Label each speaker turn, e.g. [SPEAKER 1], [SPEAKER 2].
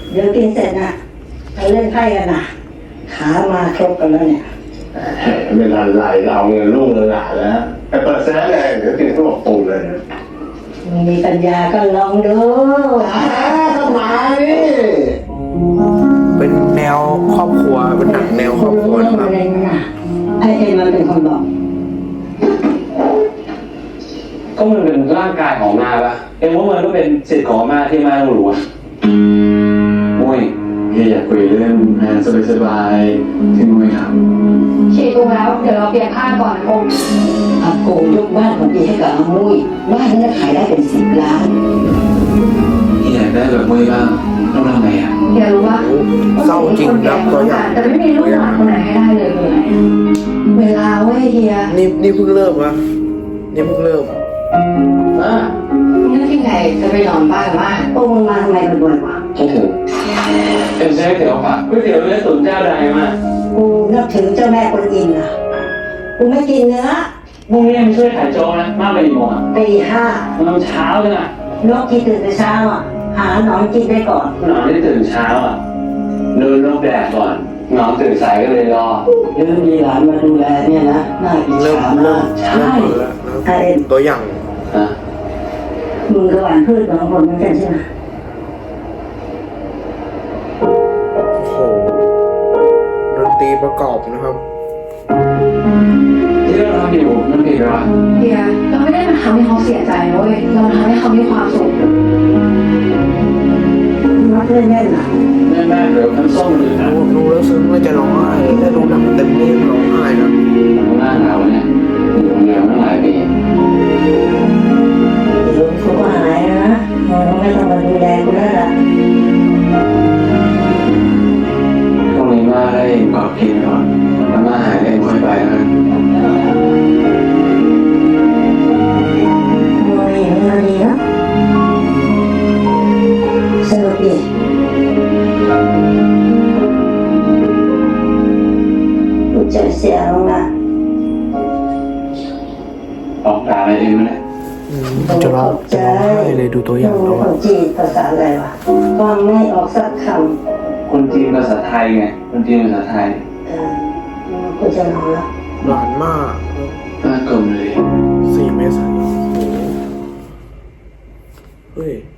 [SPEAKER 1] เดี๋ยวกินเสร็จนะไปเล่นไพ่กันนะขามาครบกันแล้วเนี่ย
[SPEAKER 2] ไม่ทันไรเอาเงินลูกเลยหลานแล้วไปเปิดแซ่เลยเดี๋ยวกินข้าวบอกปูเลยนะ
[SPEAKER 1] มีปัญญาก็ลองดู
[SPEAKER 2] มาดิ
[SPEAKER 3] เป็นแนวครอบครัวเป็นหนังแนวครอบครัวนะครับ
[SPEAKER 1] ไอเอ็มมันเป็นคนบอก
[SPEAKER 4] ก็มันเป็นร่างกายของมาปะเอ็มว่ามันก็เป็นสิทธิ์ของมาที่มาต้องรู้มุ้ย
[SPEAKER 2] พี่อยากคุยเรื่องงานสบายๆที่มุ้ยท
[SPEAKER 5] ๆฉีดถูกแล้วเดี๋ยวเราเปลี่ยนผ้าก่อนนะผม
[SPEAKER 1] อาโกยกบ้านของพี่ให้กับอามุ้ยบ้านนั้นขายได้เป็น10 ล้าน
[SPEAKER 4] พี่อยากได้แบบมุ้ยบ้างต้องทำไงอ่ะ
[SPEAKER 5] เดี๋ยวรู้ว่า
[SPEAKER 3] เศร้าจริงครับตัวอย่าง
[SPEAKER 5] แต่ไม่มีลูกหลานคนไหนให้ได้เลยคืออะไรเวลาเว้ยเฮีย
[SPEAKER 3] นี่เพิ่งเริ่มวะนี่เพิ่งเริ่ม
[SPEAKER 5] นึกที่ไหนจะไปนอนบ้านมาก
[SPEAKER 1] พวกมึงมาทำไมกันบ่อยวะ
[SPEAKER 4] คิดถึงเป็นเชฟเตี๋ยวผักก๋วยเตี๋ยวเนื้อตุ๋นเจ้าใดมา
[SPEAKER 1] กูนับถือเจ้าแม่กวนอิมนะกูไม่กินเนื้อ
[SPEAKER 4] พรุ่งนี้มาช่วยขายโจ๊กนะมากไปกี่โมงอ่ะ
[SPEAKER 1] ตี 5
[SPEAKER 4] มันเช้าเลยอ่ะ
[SPEAKER 1] นกที่ตื่นแต่เช้าอ่ะหาหนอนกินได้ก่อน
[SPEAKER 4] หนอนที่ตื่นเช้าอ่ะเดินลงแดดก่อนหนอนตื่นสายก็เลยรอ
[SPEAKER 1] เรื่องมีหลานมาดูแลเนี่ยนะน่าอิจฉามากใช่
[SPEAKER 3] ตัวอย่าง
[SPEAKER 1] มึงกับหวานพืชของผมเหมือนกันใช่ไหม
[SPEAKER 3] โอ้โหดนตรีประกอบนะครับ
[SPEAKER 4] ที่เราทำอยู่มันผิดหรอ
[SPEAKER 5] เฮียเราไม่ได้มาทำให้เขาเสียใจนะเว้ยเราทำให้เขามีความสุข
[SPEAKER 1] มักเล่นแน่นหนา
[SPEAKER 4] แม่เดี๋ยวน้ำส้มหรือนะ
[SPEAKER 3] ดูแล้วซึ้งเลยจะร้องไห้ถ้าดูหนังเต็มนี่ร้องไห้นะ
[SPEAKER 4] หน้าหนาวเนี่ยอยู่เดียวตั้งหลายปี
[SPEAKER 1] ลุงเขาก็หายนะมึงไม่ต้องมาดูแลกูแล้วล่ะ
[SPEAKER 4] พรุ่งนี้มาได้กอดกินก่อนแล้วมาหายเองค่อยไปนะ
[SPEAKER 1] มึงอย่างนี้ดีนะสนุกดีกูจะเสียลงนะ
[SPEAKER 4] ออกด่าอะไรเองไหมเนี่ย
[SPEAKER 3] จะร้องไห้เลยดูตัวอย่างแล้ว
[SPEAKER 1] คนจีนภาษาอะไรวะฟังไม่ออกสักค
[SPEAKER 4] ำคนจีนภาษาไทยไงคนจีนภาษาไทย
[SPEAKER 1] กูจะนอนแล้ว
[SPEAKER 3] หวานมาก
[SPEAKER 4] น่ากลมเลย
[SPEAKER 3] 4 เมษายนเฮ้ย